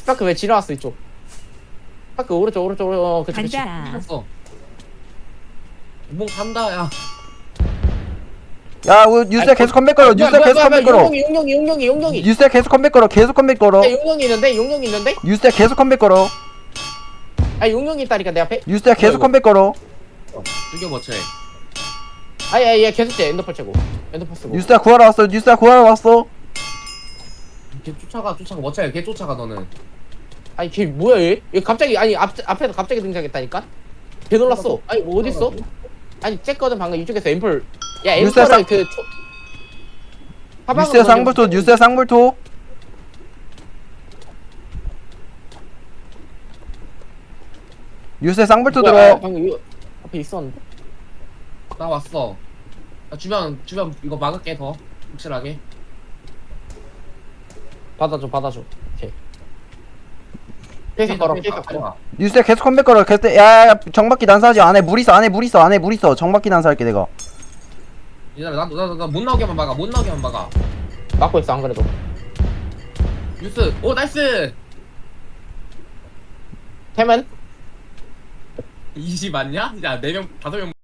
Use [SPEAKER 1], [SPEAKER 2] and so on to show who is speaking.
[SPEAKER 1] 스파크 왜 지나왔어 이쪽? 스파크 오른쪽 그치 그치.
[SPEAKER 2] 간다.
[SPEAKER 3] 했어. 몽 간다 야.
[SPEAKER 4] 야 뉴스에 계속 컴백 걸어. 뉴스에 계속 컴백 걸어.
[SPEAKER 1] 용용이.
[SPEAKER 4] 뉴스에 계속 컴백 걸어. 계속 컴백 걸어.
[SPEAKER 1] 야, 용용이 있는데?
[SPEAKER 4] 뉴스에 계속 컴백 걸어.
[SPEAKER 1] 아 용용이 있다니까 내 앞에.
[SPEAKER 4] 뉴스에 계속 컴백 걸어.
[SPEAKER 3] 죽여버 쟤.
[SPEAKER 1] 아야 얘 계속 째 엔더펄 채고. 엔더펄 쓰고.
[SPEAKER 4] 뉴스에 구하러 왔어. 뉴스에 구하러 왔어.
[SPEAKER 3] 걔 쫓아가 멋져요. 걔 쫓아가 너는.
[SPEAKER 1] 아니 걔 뭐야 얘? 얘 갑자기 아니 앞에서 갑자기 등장했다니까? 개 놀랐어. 아니 뭐 어딨어? 아니 쬐거든 방금 이쪽에서 앰플. 야
[SPEAKER 4] 뉴스에
[SPEAKER 1] 앰플을 그
[SPEAKER 4] 뉴스에 쌍불토. 뉴스에 쌍불토. 뉴스에 쌍불토 들어.
[SPEAKER 1] 방금 이거 앞에 있었는데?
[SPEAKER 3] 나 왔어. 나 주변 이거 막을게 더 확실하게.
[SPEAKER 1] 받아줘. 오케이. 계속 걸어.
[SPEAKER 4] 뉴스에 계속 컴백 걸어. 계속 야 정박기 난사하지. 안에 물 있어. 안에 물 있어. 정박기 난사할게 내가.
[SPEAKER 3] 얘들아 나못 나오게만 막아. 못 나오게만 막아.
[SPEAKER 1] 막고 있어 안 그래도.
[SPEAKER 3] 뉴스. 오 나이스.
[SPEAKER 1] 태면?
[SPEAKER 3] 20 맞냐? 야 4명 5명